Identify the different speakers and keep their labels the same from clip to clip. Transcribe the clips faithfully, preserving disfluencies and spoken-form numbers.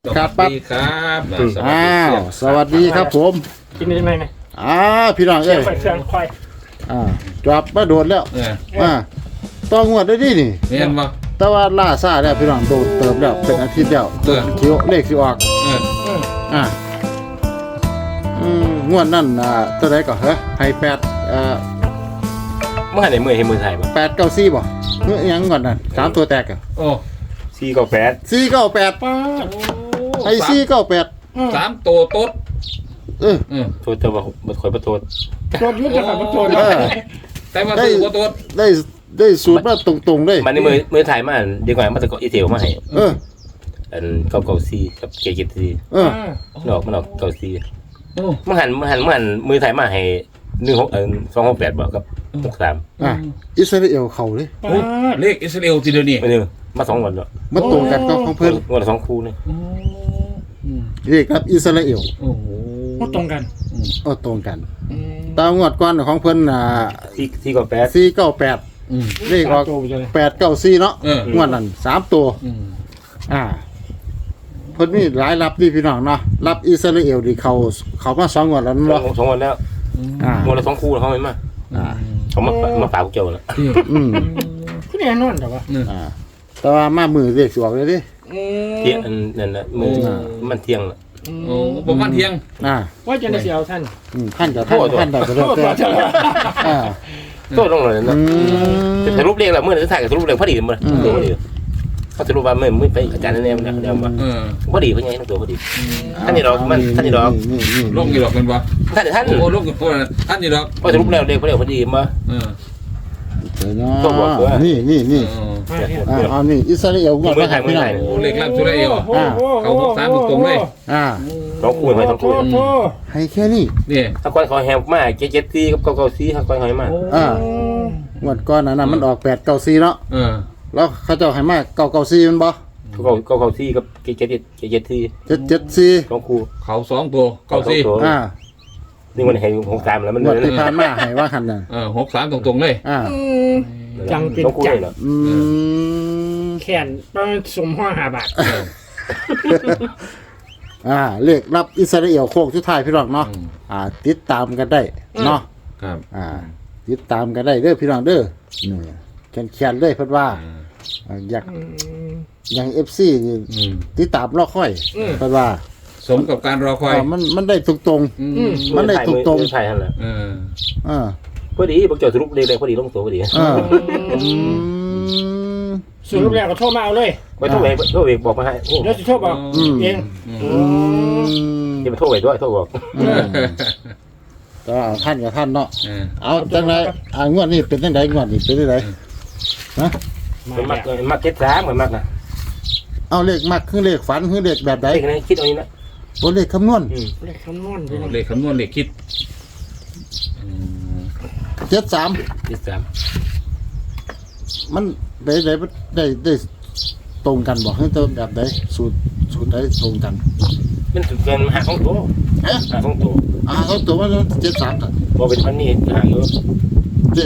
Speaker 1: ครับปั๊บ
Speaker 2: ครับ
Speaker 1: อ้าวสวัสดีครับผม
Speaker 3: กินยังไงเนี่ย
Speaker 1: อ้าวพี่น้อง
Speaker 3: เชีย
Speaker 1: เอ้
Speaker 3: ง
Speaker 1: ย
Speaker 3: ไปเชียงควาย
Speaker 1: อ่าจอบมาโดนแล้ว
Speaker 2: เออ
Speaker 1: อ่าต้องงวดได้ดินี่
Speaker 2: เห็นบ่
Speaker 1: แต่ว่าล่าซ่าแล้วพี่น้องโดนเติมแล้วเป็นอาทิตย์แล้ว
Speaker 2: เออ
Speaker 1: คิวเลขสิออก
Speaker 2: เออ
Speaker 1: อ่าอืมงวดนั่นอ่าตัวใดก่อนเหรอให้แปดเอ่อ
Speaker 4: เมื่อไหร่มือให้มือไทยบ่
Speaker 1: แปดเก้าสี่บ่เมื่อยังก่อนนั่นสามตัวแตกอ่ะ
Speaker 2: โอ้
Speaker 4: สี่ก็แปด
Speaker 1: สี่เก้าแปดไอ้สี่เก้าแปด
Speaker 2: สามตัวโต๊ด
Speaker 1: เออ
Speaker 2: เออ
Speaker 4: โทษแต่ว่าบ่คอยบ่โทษ
Speaker 3: โดนยุทธกับมันโดน
Speaker 1: เออ
Speaker 2: แต่ว่าตัวบ่โต๊ด
Speaker 1: ได้ได้สูตรมาตรงๆเลย
Speaker 4: มันในมือมือไทยมาดีกว่ามันจะก็อีเทลมาให้
Speaker 1: เออ
Speaker 4: อันเก้าเก้าสี่กับเกจิตสี่
Speaker 1: เออ
Speaker 4: มันออกมันออกเก้าสี่
Speaker 2: โอ้
Speaker 4: มันหันมันหันมันหันมือไทยมาให้หนึ่งหกเออสองหกแปดบ่กับหกสาม
Speaker 1: อ่ะอิสราเอลเขาเลย
Speaker 2: โอ้เลขอิสราเอลทีเดียวนี่
Speaker 4: มันนึงมาสองวันแล้ว
Speaker 1: มันตรงกันกับของเพิ่น
Speaker 4: วันละสองคู่นี่
Speaker 2: โอ้อืม
Speaker 1: เรียกครับอิสราเอล
Speaker 2: โอ้โห
Speaker 3: ก็ตรงกัน
Speaker 1: ก็ตรงกันตามงวดก่อนของเพิ่นอ่า
Speaker 4: สี่สี่ก็แปด
Speaker 1: สี่เก้าแปด
Speaker 2: อืม
Speaker 1: เลขออก
Speaker 3: ตัวไปเลย
Speaker 1: แปดเก้าสี่เนาะ
Speaker 2: เออง
Speaker 1: วดนั้นสามตัว
Speaker 2: อืม
Speaker 1: อ่าเพิ่นมีหลายรับนี่พี่น้องเนาะรับอิสราเอลที่เขาเขามาสองงวดแล้ว
Speaker 4: สอ
Speaker 1: เนาะ
Speaker 4: งสองวันแล้ว
Speaker 1: อ่า
Speaker 4: วันละสองคู่เขาไม่มา
Speaker 1: อ่า
Speaker 4: เขามามาฝากพวกเจ้าแล้ว
Speaker 2: นี่
Speaker 1: อืม
Speaker 3: คือแน่นอนแต่ว่า
Speaker 1: อ่าแต่ว่ามามือเรียกสิออกเลยดิ
Speaker 4: เที่ยงอันนั่นน่ะมือมันเที่ยงแล้ว
Speaker 2: โอ้ประมาณเที่ยง
Speaker 1: อ่า
Speaker 3: ว่าจะได้เสียวท่าน
Speaker 1: อืมท่านกับท่านท่านใดก็
Speaker 3: โท
Speaker 1: แล้ว
Speaker 3: ษ
Speaker 1: แต่
Speaker 3: ว่าจะ
Speaker 1: อ่า
Speaker 4: โทษลงเลย
Speaker 1: อื
Speaker 4: นะ
Speaker 1: ม
Speaker 4: จะรูปเรียงแล้วเมื่อจะถ่ายกับรูปเรียงพอดีมั้ยพอดีเขาจะรู้ว่าเมื่อมื่อไปอาจารย์แนมนะเดี๋ยวมา
Speaker 2: เออ
Speaker 4: พอดีเพื่อนยังตัวพอดีท่านนี่ดอกมันท่านนี่ดอก
Speaker 1: นี่นี่
Speaker 2: ลงกี่ดอกกันบ่
Speaker 4: ท่านท่าน
Speaker 2: โอ้ลงกี่ตัวท่านนี่ดอก
Speaker 4: พอจะรูปแล้วเรียงพอดีพอดีมา
Speaker 2: เออ
Speaker 1: เดี๋ยวนะนี่นี่นี่
Speaker 2: เออ
Speaker 1: อ่าอันนี้อิสราเอลงวดมาให้พี่น้อง
Speaker 2: โอ้เลขลับอิสราเอล เขาหกสามตรงๆเลย
Speaker 1: อ่า
Speaker 4: สองคู่ไปสอง
Speaker 3: โท
Speaker 4: คู่
Speaker 3: ษโทษ
Speaker 1: ให้แค่นี้
Speaker 2: นี่
Speaker 4: ถ้าก้อนเขาแฮมมาเจ็ดเจ็ดซีกับเก้าเก้าซีถ้าก้อนเขามา
Speaker 1: อ่างวดก่อนนั้นน่ะมันออกแปดเก้าสี่เนาะ
Speaker 2: เออ
Speaker 1: แล้วเขาเจ้าให้มาเก้าเก้าสี่มันบ่
Speaker 4: เก้าเก้าเก้าซีกับเจ็ดเจ็ดเจ็ดเจ็ดซี
Speaker 1: เจ็ดเจ็ดสี่
Speaker 4: สองคู่
Speaker 2: เขาสองตัวเก้าสี่
Speaker 1: อ่า
Speaker 4: นี่มันเห็นหกสามแล้วมัน
Speaker 1: งวดที่ผ่านมาให้ว่าหันน่ะ
Speaker 2: เออหกสามตรงๆเลย
Speaker 1: อ่า
Speaker 3: จังเป็น
Speaker 4: สองคู่
Speaker 3: จัง
Speaker 4: เลยเหรอ
Speaker 1: อืม
Speaker 3: แขนประมาณสมห้าหาบาท
Speaker 2: เออ
Speaker 1: อ่าเลขรับอิสราเอลโค้งสุดท้ายพี่น้องเนาะ
Speaker 2: อืม
Speaker 1: อ่า ติดตามกันได้เนาะ
Speaker 2: ครับ
Speaker 1: อ่า ติดตามกันได้เด้อพี่น้องเด้อนี่แคนๆเลยเพิ่นว่าอ่าอยากอย่าง เอฟ ซี นี่
Speaker 2: อืม
Speaker 1: ติดตามรอค่อยเพิ่นว่า
Speaker 2: สมกับการรอคอย
Speaker 1: อ่ามันมันได้ตรง
Speaker 2: อืม
Speaker 1: มันได้ตรงๆ
Speaker 4: ใช่ฮะแหละ
Speaker 2: เออ
Speaker 1: ๆอ่า
Speaker 4: พอดีพวกเจ้าสรุปเรียงพอดีลงตัวพอดี
Speaker 1: อ่าอืม
Speaker 3: ส่วนรูปแรกก็โทษมาเอาเลย
Speaker 4: ไปโทษเองโทษเองบอกมาให้
Speaker 3: เดี๋ยวจะโทษบอก
Speaker 1: อืม
Speaker 3: เอง
Speaker 1: อืม
Speaker 4: อย่าไปโทษเองด้วยโทษบอก
Speaker 1: อืมก็เอาท่านกับท่านเนาะ
Speaker 2: เออ
Speaker 1: เอาจังไรอ่างวดนี้เป็นจังไดงวดนี้เป็นจังไดฮะ
Speaker 3: มา
Speaker 4: มันมัก
Speaker 3: แล้ว
Speaker 4: มักเก็ตสามเหมือนมักนะ
Speaker 1: เอาเลขมักคือเลขฝันคือเลขแบบใด
Speaker 4: ไอ้คนนี้คิดเอานี้นะ
Speaker 1: โอ้เลขคำนวณ
Speaker 3: เลขคำนวณด้วยนะ
Speaker 2: เลขคำนวณเลขคิดอืม
Speaker 1: เจ็ดสาม
Speaker 4: เจ็ดสาม
Speaker 1: มันได้ได้ได้ได้ตรงกันบอกให้ตัวแบบใดสูตรสูตรใดตรงกัน
Speaker 4: มันถึงเป็นหาของตัว
Speaker 1: ฮะ
Speaker 4: หาของตัว
Speaker 1: อ่าเขาตัวว่าเจ็ดสามตัด
Speaker 4: พอเป็นพันนี่หาเยอะ
Speaker 1: เด้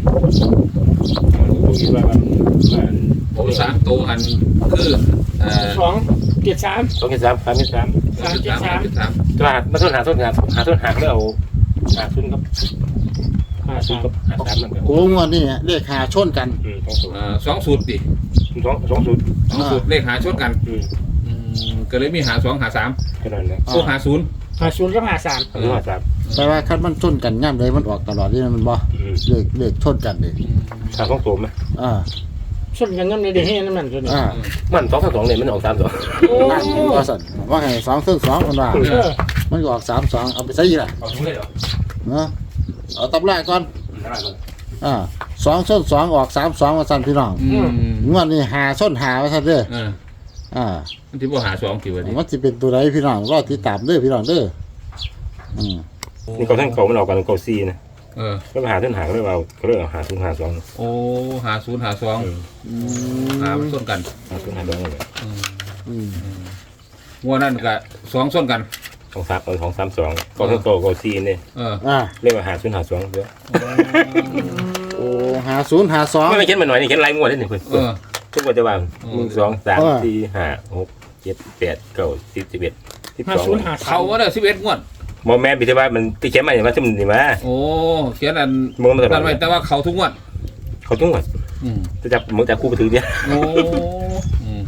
Speaker 4: คิดว่ามันมัน
Speaker 2: ผมสามตัวอันคือเอ่อ
Speaker 3: สองเจ็ดสาม
Speaker 4: สองเจ็ดสามสามเจ็ดสาม
Speaker 3: สามเจ็ดสาม
Speaker 2: สาม
Speaker 4: ตัวหามาต้นหาต้นหาหาต้นหาแล้วเอาหาต้นครับ
Speaker 3: ห้า
Speaker 4: หาต้น
Speaker 3: สาม
Speaker 4: กับหาสามนั่นแหละ
Speaker 1: โอ้งวดนี้เลขหาชนกัน
Speaker 4: อืมสองสูตร
Speaker 2: เอ่อสองสูตรดิ
Speaker 4: สองสองสูตร
Speaker 2: สองสูตรเลขหาชนกัน
Speaker 4: อืม
Speaker 2: อืมก็เลยมีหาสองหาสาม
Speaker 4: แค่นั้นแหละ
Speaker 2: โอ้หาศูนย์
Speaker 3: ห้าศูนย์กับห้าสาม
Speaker 4: หาหาสาม
Speaker 1: แต่ว่าคันมันชนกันย่ำเลยมันออกตลอดนี่มันบ่
Speaker 4: อืม
Speaker 1: เลขเลขชนกันเลย
Speaker 4: หาสองตัวไหม
Speaker 1: อ่า
Speaker 3: ส่วนกันยังในเดือนให้นั่นมันตัวนี้
Speaker 1: อ่า
Speaker 4: มันสองสองสองเนี่ยมันออกสามสอง
Speaker 3: โอ้
Speaker 1: นั่นว่าสั่นว่าไงสองซึ่งสองคนว่า
Speaker 3: เออ
Speaker 1: มันก็ออกสามสองเอาไปใช้ยี่ละ
Speaker 4: เอาทุกเลยเหรอ
Speaker 1: เนาะเอาตำราก่อน
Speaker 4: ได้เลย
Speaker 1: อ่าสองส้นสองออกสามสองมาสั่นพี่น้อง
Speaker 2: อืม
Speaker 1: งวดนี้หาส้นหาว่าสั่นเด้อ
Speaker 2: เออ
Speaker 1: อ่า
Speaker 2: มันที่ว่าหาสองกี่วันดิ
Speaker 1: มันจะเป็นตัวไหนพี่น้องรอติดตามเด้อพี่น้องเด้ออืม
Speaker 4: นี่เขาทั้งเขามันออกกันเขาซีนะ
Speaker 2: เออ
Speaker 4: ก็ไปหาต้นหาก็เลยเอาเขาเลยเอาหาทุนหาสอง
Speaker 2: โอ้หาศูนย์หาสอง
Speaker 1: อืม
Speaker 2: หามันส้นกัน
Speaker 4: หาทุนหาสองเลย
Speaker 1: อืม
Speaker 2: งัวนั่นกับสองส้นกัน
Speaker 4: สองสามเอาสองสามสองเขาทั้งโตเขาซีนี่
Speaker 2: เออ
Speaker 1: อ่า
Speaker 4: เรียกว่าหาทุนหาสองเยอะ
Speaker 1: โอ้หาศูนย์หาสอง
Speaker 4: ไม่ไม่เขียนมาหน่อยนี่เขียนลายงวดนี่หนึ่งคน
Speaker 2: เออ
Speaker 4: ทุกวันจะวางหนึ่งสองสาม
Speaker 1: เออ
Speaker 4: สี่ห้าหกเจ็ดแปดเก้าสิบสิบเอ็ดสิบ
Speaker 3: ห้า
Speaker 4: สอง
Speaker 3: ศูนย์ห้าสา
Speaker 2: เขา
Speaker 3: ม
Speaker 2: ว่าได้สิบเอ็ดงวด
Speaker 4: โมแม่นพิธีว่ามันที่เขียนมาอย่างว่าซึ่งนี่มา
Speaker 2: โอ้เขียนอัน
Speaker 4: มึงมาตลอ
Speaker 2: นั่
Speaker 4: ด
Speaker 2: นไว้แต่ว่าเขาทุกงวด
Speaker 4: เขาจุ้งหมด
Speaker 2: อืม
Speaker 4: จะจับมึงจับคู่ไปถือเดียว
Speaker 2: โอ้อืม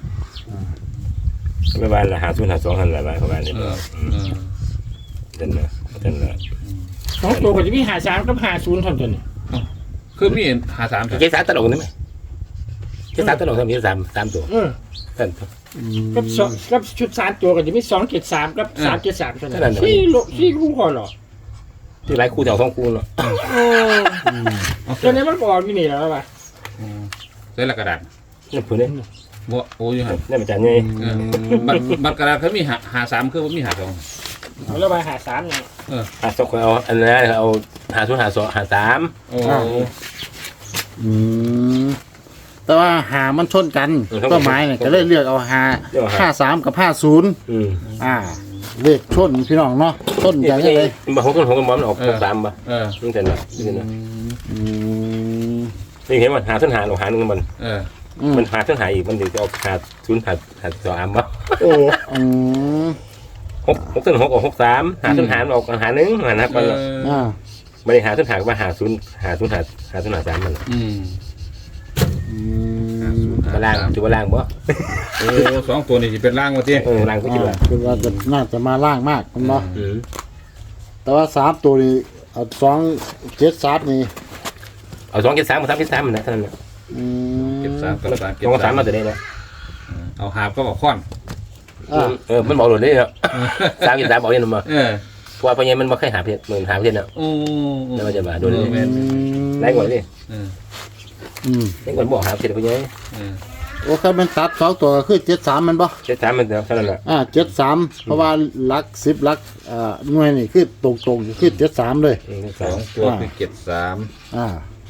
Speaker 4: ไม่บ้านละหาศูนย์หาสองหันละบ้านเขาบ้านนี่
Speaker 2: เออเออ
Speaker 4: เดินละเดินละ
Speaker 3: สองตัวก็จะมีห้าสามกับห้าศูนย์เท่านั้น
Speaker 2: คือมีหาสาม
Speaker 4: เจ๊สามตลกนี่ไหมเจ๊สามตลกทำเจ๊สามสามตัว
Speaker 3: เออ
Speaker 4: ท่าน
Speaker 3: กับสองกับชุดสามตัวก็จะมีสองเจ็ดสามกับสามเจ็ดสามเท่า
Speaker 4: เท่า
Speaker 3: นั้
Speaker 4: นั้น
Speaker 3: นสี่โลสี่คู่พอหรอ
Speaker 4: ที่หลายคู่แถวสองคู่เนาะ
Speaker 3: โอ้ตอนนี้มันก็ออกที่นี่แล้วป่ะ
Speaker 2: ใส่ละกระดาษ
Speaker 4: นี่พูดเนี่ย
Speaker 2: บ่โอ้ยหัน
Speaker 4: นี่มันจะไง
Speaker 2: เออบัตรบัตรกระดาษเขามีหาหาสามคือว่ามีหาสอง
Speaker 3: เอาแล้วไปหาสามเนี่ย
Speaker 4: หาสองคนเอาอันนั้นเอาหาศูนย์หาสองหาสาม
Speaker 2: โอ้
Speaker 1: อืมแต่ว่าหามันชนกันต้นไม้เนี่ยก็เลยเลือกเอาหาห้าสามกับห้าศูนย์
Speaker 4: อืม
Speaker 1: อ่า เลขชนพี่น้องเนาะชน
Speaker 4: นี่
Speaker 1: กัน
Speaker 4: ไม่
Speaker 1: ยัง
Speaker 4: ใช่
Speaker 1: ไง
Speaker 4: บางคนของกันบอลออกหกสามป่ะ
Speaker 2: เออ
Speaker 4: นี่แต่เนาะนี่เนาะ
Speaker 1: อืม
Speaker 4: นี่เห็นมันหาศูนย์หาหรือหาหนึ่งมัน
Speaker 2: เออ
Speaker 1: อืม
Speaker 4: มันหาศูนย์หาอีกมันถึงจะเอาหาศูนย์หาหาสามป่ะ
Speaker 3: โอ้
Speaker 1: อืม
Speaker 4: หกหกศูนย์หกออกหกสามหาศูนย์หาออกหาหนึ่งหานับ
Speaker 2: เอ
Speaker 4: มัน
Speaker 2: อ
Speaker 1: อ่า
Speaker 4: ไม่ได้หาศูนย์หาว่าหาศูนย์หาศูนย์หาหาศูนย์หาสามมัน
Speaker 2: อืม
Speaker 1: อืม
Speaker 4: มาล่างถือว่าล่างบ่
Speaker 2: โอ้สองตัวนี้จะเป็นล่างวะที
Speaker 4: เออล่างก็คิดว่า
Speaker 1: อ่าคือว่าจะน่าจะมาล่างมากคุณเนาะ
Speaker 4: อืม
Speaker 1: แต่ว่าสามตัวนี้เอาสองเจ็ดสามนี่
Speaker 4: เอาสองเจ็ดสามมาสามเจ็ดสามมันนะเท่านั้นนะ
Speaker 1: อืม
Speaker 2: เก็บสามกับสาม
Speaker 4: ส
Speaker 2: เก็บ
Speaker 4: องสา
Speaker 2: สาม ม
Speaker 4: มาตัวนี้นะ
Speaker 2: เอาหาบก็บอกค้อน
Speaker 1: อ่า
Speaker 4: เออมันบอกหลุดได้เนาะสามเจ็ดสามบอกยังมา
Speaker 2: เออ
Speaker 4: เพราะว่าพญามันบ่เคยหาเพชรเหมือนหาเพชรเนาะ
Speaker 2: โอ้
Speaker 4: แล้วมันจะมาโดนเลย
Speaker 2: แม่น
Speaker 4: ไล่ก่อนดิ
Speaker 2: เออ
Speaker 1: อืม
Speaker 4: ไล่ก่อนบอกหาเพชรพญา
Speaker 2: เออ
Speaker 1: โอ้คันมันตัดสองตัวก็คือเจ็ดสามมันบ่
Speaker 4: เจ็ดสามมันเท่านั้นแหละ
Speaker 1: อ่าเจ็ดสามเพราะว่าหลักสิบหลักอ่าหน่วยนี่คือตรงตรงๆคือเจ็ดสามเลย
Speaker 4: เออ
Speaker 2: ส
Speaker 4: สอ
Speaker 2: อง งตัวคือเก็บสาม
Speaker 1: อ่า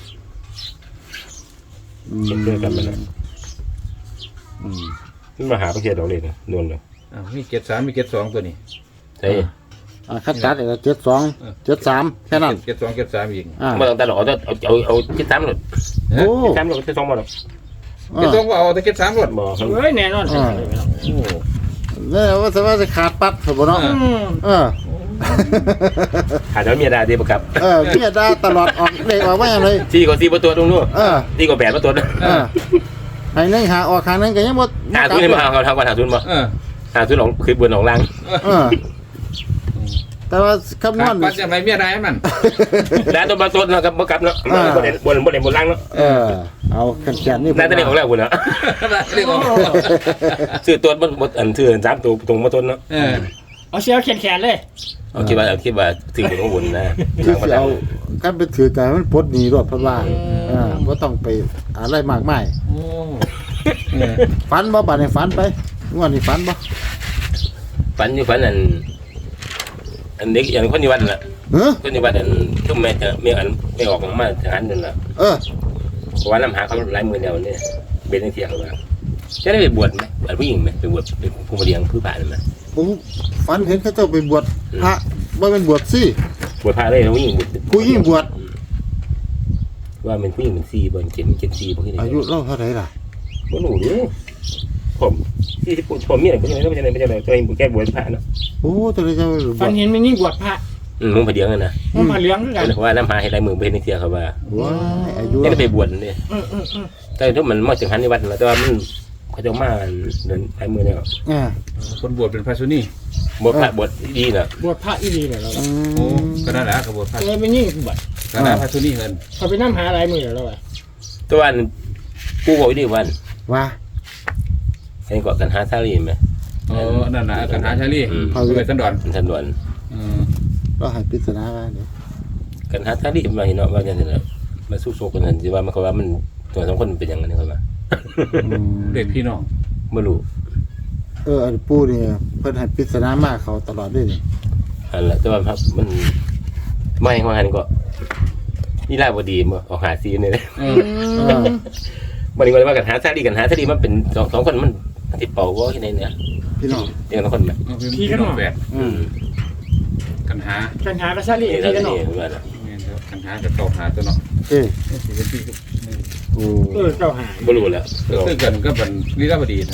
Speaker 1: อืม
Speaker 4: เจ็ดเพื่อนกันมันนะ
Speaker 1: อืม
Speaker 4: มันมาหาเพชรดอกเลยนะโดนเลย
Speaker 2: อ้าวมีเก็บสามมีเก็บสองตัวนี้
Speaker 4: ใช่
Speaker 1: อ่าคัดตัดเเจ็ดสองเจ็ดสามแค่นั้น
Speaker 2: เก็บสองเก็บสามอีก
Speaker 1: อ่า
Speaker 4: ไม่ต้องตัดหรอกเอาเอาเอาเอาเจ็ดสามหลุด
Speaker 1: โอ้
Speaker 4: เจ็ดสามหลุดเจ็ดสองมาหรอก
Speaker 2: เก็บสองก็เอาแต่เก็บสามรวด
Speaker 4: บอก
Speaker 3: เฮ้ยแน่นอน
Speaker 2: โอ้
Speaker 1: เนี่ยว่าจะว่าจะขาดปัดถูกบ่เนาะ
Speaker 3: อืม
Speaker 1: เออ
Speaker 4: ขาดแล้วมีอะไรดีประกับ
Speaker 1: เออเมียด่าตลอดออกเลขออกว่าอย่างไร
Speaker 4: สี่กว่าสี่ประตูตรงนู้น
Speaker 1: เออ
Speaker 4: สี่กว่าแปดประตู
Speaker 1: เออให้หนึงหาออกหาหนึงก็ยังบ่
Speaker 4: หาทุนให้มาเอาเท่ากันหาทุนมา
Speaker 2: เออ
Speaker 4: หาทุนของคือบนของล่าง
Speaker 1: เออ แต่ว่าคำน
Speaker 2: ขาว ด
Speaker 1: ณ
Speaker 2: ปัดจะไม่มีอะไรให้มัน
Speaker 4: แล้วตัวประตูนะครับประกับเนาะบนบนบนบนล่างเนาะ
Speaker 1: เออ เอาแขนๆนี่
Speaker 4: น่าจะเรียกของแล้วคุณเนาะ
Speaker 2: เรียกว่า
Speaker 4: ซื้อตัวบนบนอันซื้อสามตัวตรงมาต้นเนาะ
Speaker 2: เออ
Speaker 3: เอาเสียแขนแขนเลย
Speaker 4: เอาคิดว่าเอาคิดว่าถึงบนของบนนะ
Speaker 1: คือสิเอาคันไปถือกันมันปลดหนี้รถเพิ่นว่าเออบ่ต้องไปอะไรมากมาย
Speaker 2: โอ้เออ
Speaker 1: ฝันบ่บัดนี้ฝันไปงวดนี้ฝันบ่
Speaker 4: ฝันอยู่ฝันอันอันเด็กอย่างคนอยู่วัดน่ะ
Speaker 1: เออ
Speaker 4: คนอยู่วัดอันทุ่มแม่ไม่อันไม่ออกมาทหารนั่นน่ะ
Speaker 1: เออ
Speaker 4: เพราะว่าน้ำหาเขาหลายมือเดียวเนี่ยเบนเทียงว่าจะได้ไปบวชไหมบวชผู้หญิงไหมไปบวชเป็นผู้มาเลี้ยงผู้ผ่านไหม
Speaker 1: ผมฝันเห็นเขาเจ้าไปบวชพระบ่เป็นบวชสิ
Speaker 4: บวชพระได้แล้วผู้หญิงบวช
Speaker 1: ผู้หญิงบวช
Speaker 4: ว่าเป็นผู้หญิงเป็นซีบนเจ็ดเจ็ดซีบางที
Speaker 1: อายุเล่าเท่าไหร่ล่ะ
Speaker 4: บ่รู้ดิผมที่ผมมีอะไรผมยังไม่ได้ไม่ได้ไม่ได้ตัวเองแค่บวชพระเนาะ
Speaker 1: โอ้ตัวนี้จะไปบ
Speaker 3: ฟั
Speaker 1: วนช
Speaker 3: เห็นมันยิ่งบวชพระ
Speaker 4: อืมมึงไปเลี้ยงกันนะ
Speaker 3: มันมาเลี้ยงด้วยกัน
Speaker 4: เพราะว่าน้ำหาให้ลายมือเป็นเทียเขาว่า
Speaker 1: ว้ายอายุ
Speaker 4: เนี่ยไปบวชเนี่ย
Speaker 3: อืมอืมอืม
Speaker 4: แต่ถ้ามันมาจังหันในวัดแล้วแต่ว่ามันเขาจะมาเดินลายมือเนี่ย
Speaker 1: อ่า
Speaker 2: คนบวชเป็นพระสุนี
Speaker 4: บวชพระบวชดีเนาะ
Speaker 3: บวชพระอีดีเนี่ยเรา
Speaker 1: อื
Speaker 2: โอ้
Speaker 1: ม
Speaker 2: ก็นั่นแหละกบวชพระ
Speaker 3: เลยเป็นยิ่งบวช
Speaker 2: ก็นั่นพระสุนีเงิน
Speaker 3: เขาไปนั่งหาอะไรมือเราไป
Speaker 4: ตัววันผู้บอกดีวัน
Speaker 1: ว่า
Speaker 4: เองก็กันหาซาลีไหม
Speaker 2: โอ้นั่นน่ะกันหาชาลี
Speaker 4: อืม
Speaker 2: เขาไปสันดอน
Speaker 4: ทันด่วน
Speaker 2: อืม
Speaker 1: ก็ให้ปริศนาว่าเดี๋ยว
Speaker 4: กันหาซาลีมาเห็นเนาะว่าอย่างนั้นมาสู้โซกันเห็นสิว่ามันเขาว่ามันตัวสองคนเป็นอย่างนั้นเขาว่า
Speaker 1: อืม
Speaker 2: เด็กพี่น้อง
Speaker 4: ไม่รู้
Speaker 1: เอออันปู่นี่เพิ่นให้ปริศนามากเขาตลอดเลยนี่
Speaker 4: อันละแต่ว่าครับมันไม่ว่าหันก็นี่ลาบดีมาออกหาซีเนี่ย
Speaker 2: เออ
Speaker 1: เออ
Speaker 4: วันนี้ก็เลยว่ากันหาซาลีกันหาซาลีมันเป็นสองสองคนมันติดเป่าว่าที่ไหนเนี่ย
Speaker 1: พี่น้อง
Speaker 4: เดียวกันคนไหม
Speaker 2: พี่น้องแฝด
Speaker 1: อืม
Speaker 2: กันหา
Speaker 3: กันหากระซาลี
Speaker 4: นี่
Speaker 3: ที่กันหนอ
Speaker 4: นี่ว่า
Speaker 2: กันหากับตอกหาตัวเนาะ
Speaker 1: เอ้ย
Speaker 2: เป็นพี่
Speaker 1: โอ้
Speaker 3: เออเจ้าหา
Speaker 4: ไม่รู้แล้ว
Speaker 2: ก็คือกันก็เป็นลีลาบดีนะเนาะ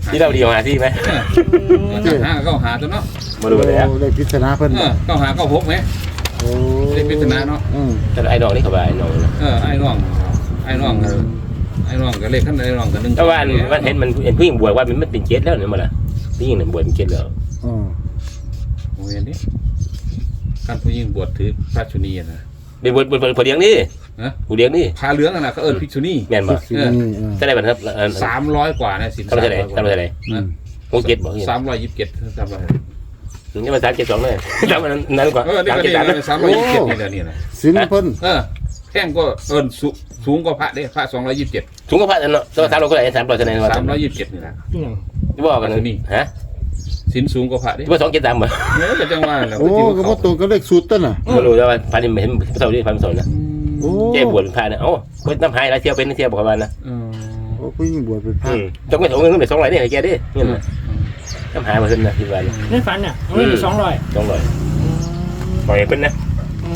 Speaker 4: ที่เราดีมาที่ไหม
Speaker 2: เก้าหาเก้าหาตัวเนาะ
Speaker 4: มาดูแล้ว
Speaker 1: โอ้ได้พิจารณาเพิ่น
Speaker 2: เออเก้าหาเก้าหกไหม
Speaker 1: โอ้
Speaker 2: ได้พิจารณาเนาะ
Speaker 1: อืม
Speaker 4: แต่ไอ้น้องนี่เขาว่าไอ้น้องนะ
Speaker 2: เออไอ้น้องไอ้น้องก็ไอ้น้องก็เลขขั้นไอ้น้องก็หนึ่ง
Speaker 4: แต่ว่าวันเห็นมันเห็นผู้หญิงบวชว่ามันไม่เป็นเจ็ดแล้วเนี่ยมาละผู้หญิงเนี่ยบวชเป็นเจ็ดแล้ว
Speaker 1: อืม
Speaker 2: โอ้ยนี่การผู้หญิงบวชถือพระชุนีนะ
Speaker 4: เป็นบวชบวชผู้เลี้ยงนี่
Speaker 2: ฮะ
Speaker 4: ผู้เลี้ยงนี่
Speaker 2: พาเหลืองน่ะเขาเอิ้นภิกษุนี
Speaker 4: แม่นบ่
Speaker 1: สินี่เออ
Speaker 4: ใช่ไหมครับ
Speaker 2: สามร้อยกว่านะสิน
Speaker 4: ทำเท่าไหร่ทำเท่าไหร่
Speaker 1: อืม
Speaker 4: หกเจ็ดบอก
Speaker 2: สามร้อยยี่สิบเจ็ดสามร้อย
Speaker 4: นี่มันสามเจ็ดสองเลยสามนั้นกว่า
Speaker 2: เออนี่
Speaker 4: สาม
Speaker 2: ก็
Speaker 4: เจ็ด
Speaker 2: นี่
Speaker 4: สาม
Speaker 2: สามร้อยยี่สิบเจ็ดนี่แหละนี่นะ
Speaker 1: สินเพิ่น
Speaker 2: เออแท่งก็เอิ้นสูสูงกว่าพระเด้พระสองร้อยยี่สิบเจ็ด
Speaker 4: ถุงกระเพาะเนาะตัวสามร้อยก็ได้สามร้อยเท่าไหร่
Speaker 2: สามร้อยยี่สิบเจ็ดนี่แหละ
Speaker 3: พี่น้อง
Speaker 4: ที่บอกกันนี่ฮะ
Speaker 2: สินสูงกว่าพระเด้
Speaker 4: ที่ว่าสองเจ็ดสามเหรอ
Speaker 2: เนื้อก็จังว่าแล้ว
Speaker 1: โอ้ก็บ่ตรงกับเลขสูตรต้นน่ะ
Speaker 4: ไม่รู้แล้วว่าพันนี่เห็นพระเสาร์นี่พันเสาร์นะ
Speaker 1: โอ้
Speaker 4: เจ๊บวชเป็นพระนะเอ้าก็น้ำหายแล้วเที่ยวเป็นเที่ยวบอกกันนะ
Speaker 2: เออ
Speaker 1: โอ้ผู้หญิงบวชเป็นพระ
Speaker 4: อืมจงไม่ถงเงินไม่สองร้อยนี่ให้แกดิเงินน้ำหายมาขึ้นนะที่บ้าน
Speaker 3: ในฝันน่ะเอาไว้สองร้อย
Speaker 4: สองร้อยปล่อยเป็นนะ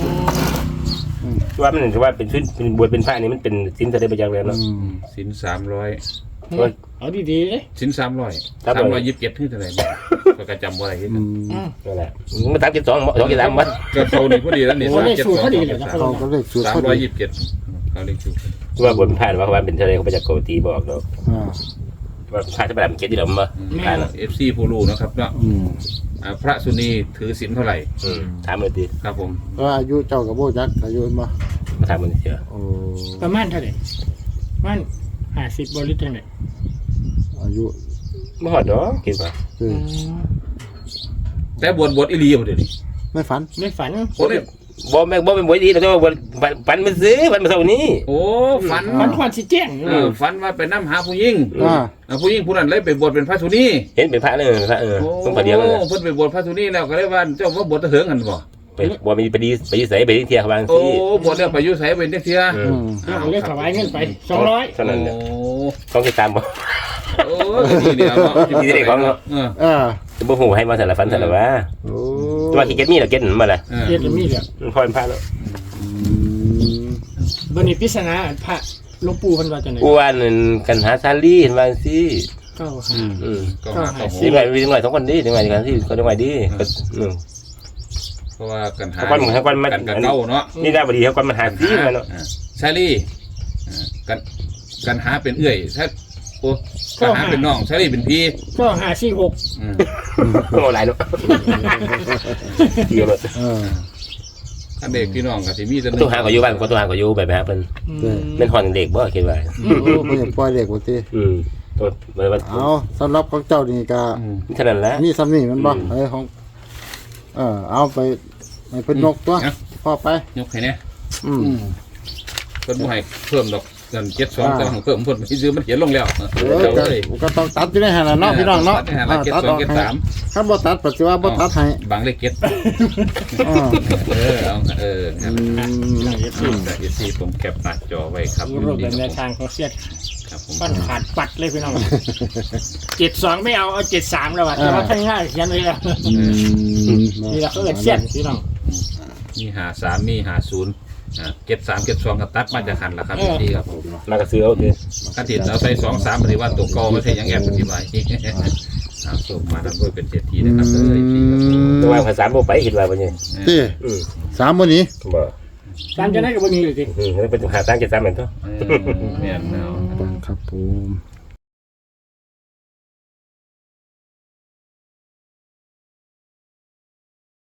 Speaker 4: ว่ามันถือว่าเป็นชุดเป็นบวชเป็นพระนี่มันเป็นสินแสดงประจักษ์แล้ว
Speaker 1: อื
Speaker 4: เนาะ
Speaker 1: ม
Speaker 2: สินสามร้อย
Speaker 3: เอาดีๆเลย
Speaker 2: สินสามร้อย
Speaker 4: สามร้อย
Speaker 2: สามร้อยยี่สิบเจ็ดที่เท่าไหร่เนี่ยก็กระจำบ่ได้ที่
Speaker 1: อื
Speaker 2: นั่น
Speaker 1: ม
Speaker 4: นั่นแหละมันสามเจ็ดสองสองเจ็ดสามวัด
Speaker 2: ก็เขานี่พอดีแล้วนี่
Speaker 3: โอ้
Speaker 2: สาม
Speaker 3: ได้
Speaker 2: เจ็ด
Speaker 3: สู
Speaker 2: ส
Speaker 3: ต
Speaker 2: อ
Speaker 3: รง พอดีเลยนะ
Speaker 1: เขาก็เลขสูตร
Speaker 2: สาม
Speaker 1: พอ
Speaker 2: ร้อย
Speaker 1: ดี
Speaker 2: ยี่สิบเจ็ดเขาเลขสูตร
Speaker 4: ที่ว่าบวชเป็นพระว่าเป็นทะเลเขาไปจากโกตีบอกเนาะ
Speaker 1: อ่า
Speaker 4: ว่าพระจะไปแบบเจ็ดที่เรามาพระเนาะ
Speaker 2: เอฟซีผู้รู้นะครับเนาะ
Speaker 1: อืม
Speaker 2: อ่าพระสุนีถือศีลเท่าไหร่
Speaker 4: อืมถามเลยดี
Speaker 2: ครับผม
Speaker 1: ก็อายุเจ้ากับโบจักอายุมา
Speaker 4: มาถามมันเสีย
Speaker 1: โอ้
Speaker 3: ประมาณเท่าไหร่ประมันห้าสิบบริตรจังได๋
Speaker 1: อายุ
Speaker 4: ไม่หอดเนาะคิดว่า
Speaker 1: เออ
Speaker 2: แต่บวชบวชอีหลีบ่เดี๋ยวนี้
Speaker 1: ไม่ฝัน
Speaker 3: ไม่ฝัน
Speaker 2: คนนี้
Speaker 4: บ่แม่บ่เป็นบวชดีแต่ว่าบวชปันมันซื้อปันมาเท่านี้
Speaker 2: โอ้ฝัน
Speaker 3: ฝันควันสิแจ้ง
Speaker 2: เออฝันว่าไปนํหาผู้หญิง
Speaker 1: อ่า
Speaker 2: อ่าผู้หญิงผู้นั้นเลยไปบวชเป็นพระสุนี
Speaker 4: เห็นเป็นพระเลยพระเออ
Speaker 2: โอ้
Speaker 4: ต้องพระเดียวเลย
Speaker 2: เพิ่นไปบวชพระสุนีแล้วก็เลยว่าเจ้าว่าบวชตะเหิงกันบ่
Speaker 4: ไปบวชมีไปดีไปดีใส่ไปดีเที่ยวบาง
Speaker 2: โอ้
Speaker 4: ที่
Speaker 2: บวชแล้วไปอยู่ไสเป็นจังซี่
Speaker 4: อื
Speaker 1: อื
Speaker 4: ม
Speaker 1: ม
Speaker 3: แล้วก็เลยถวายเงินไปสองร้อย
Speaker 4: เท่านั้นแหละ
Speaker 2: โอ้
Speaker 4: ต้องติดตามบ่
Speaker 2: โอ้ดีเดียวเนาะ
Speaker 4: มีเด็กของเนาะ
Speaker 2: เออ
Speaker 1: อ่า
Speaker 4: บ่ฮู้ให้มาสารฟันสารว่า
Speaker 1: โอ้
Speaker 4: ตัวขี้เกียจมีแล้วเก็ตมาละ
Speaker 2: เออ
Speaker 3: เรียนจะมีเด้อ
Speaker 4: มันพอเป็นพระแล้ว
Speaker 1: อืม
Speaker 3: บัดนี้ปริศนาพระหลวงปู่เพิ่นว่าจังได๋
Speaker 4: กูว่านั่นกันหาซาลีเห็นว่าสิ
Speaker 3: เก้า
Speaker 2: อื
Speaker 3: ห้าม
Speaker 4: อืม
Speaker 2: ก็หาเข้า
Speaker 4: สิ
Speaker 2: หู
Speaker 4: หน่อยมีหน่อยสองคนดีถึงหน่อยกันที่ก็ได้หน่อยดีก็อืม
Speaker 2: เพราะว่ากันหา
Speaker 4: ถ้าวันถ้าวันมัน
Speaker 2: กันกับเก้าเนาะ
Speaker 4: นี่ได้บ่ดีถ้าวันมันหาซีมาเนาะ
Speaker 2: อ่าชาลี่อ่ากันกันหาเป็นเอื้อยถ้าโอ้กันหาเป็นน้องชาลี่เป็นพี่
Speaker 3: ก็ห้าสี่หก
Speaker 2: อืม
Speaker 4: โอ้หลายเนาะเกี่ยวเลย
Speaker 1: เออ
Speaker 2: อันเด็กพี่น้องก็สิมีแต่หนึ่
Speaker 4: ตัวหาก็อยู่บ้านก็ตัวหาก็อยู่แบบหาเพิ่น
Speaker 1: เด้อ
Speaker 4: เป็นฮอนเด็กบ่คิดว่า
Speaker 1: โอ้เพิ่นยังปล่อยเด็กบ่ติ
Speaker 4: อืมตัวมัน
Speaker 1: เอาสำหรับของเจ้านี่ก็
Speaker 2: อืม
Speaker 4: เท่านั้นแหละ
Speaker 1: มีซ้ำนี่มันบ่เอ้ยของเออเอาไปให้เพิ่นนกตัวพ่อไป
Speaker 2: ยกให้เนี่ย
Speaker 1: อืม
Speaker 2: เพิ่นบ่ให้เพิ่มดอกเงินเจ็ดสองแต่ของเพิ่มเพิ่นไปซื้อมันเขียนลงแล้ว
Speaker 1: เออ
Speaker 2: เจ้า
Speaker 1: ก็
Speaker 2: เลย
Speaker 1: ก็ต้องตัดอยู่ในหั่นน่ะเนาะพี่น้องเนาะ
Speaker 2: ตัดให้หาละเจ็ดสองเจ็ดสาม
Speaker 1: คันบ่ตัดปัจจุบันบ่ตัดให้
Speaker 2: บางเลขเจ็ด
Speaker 1: อ่า
Speaker 2: เออเอาเออครับ
Speaker 1: อืม
Speaker 3: นั่งเอฟซี
Speaker 2: แต่เอซีผมแคปหน้าจอไว้ครับ
Speaker 3: รูปแบบแนวทางของเสียด
Speaker 2: ครับผม
Speaker 3: ฟันขาดปัดเลยพี่น้องเจ็ดสองไม่เอาเอาเจ็ดสามแล้วว่ะแต่ว่าข้างหน้าเขียนไว้แล้ว
Speaker 1: อืม
Speaker 3: นี่เราเขาเอิ้นเสียดพี่น้อง
Speaker 2: มีหาสามมีหาศูนย์อ่าเจ็ดสามเจ็ดสองกับตัดมาจากหันละครับพี่ครับผม
Speaker 4: มากระซื้อเอาเถอะ
Speaker 2: กันติดเราใส่สองสามปฏิวัติตัวกอไม่ใช่ยังแอบปฏิบัติเอาส่งมาทำด้วยเป็นเศรษฐีนะครับเลยพี่ครับผม
Speaker 4: ตัวว่าภาษาบ่ไปคิดว่าบ่เนี่ย
Speaker 1: ติ
Speaker 4: อืม
Speaker 1: สามมื้อนี้
Speaker 4: บ่
Speaker 3: ตามจะได้กับวันนี้เลยสิ
Speaker 4: อืมมันเป็นหาสร้างเจ็ดสามเหมือนเท่า
Speaker 2: เออเนี่ยเนาะ
Speaker 1: ครับผม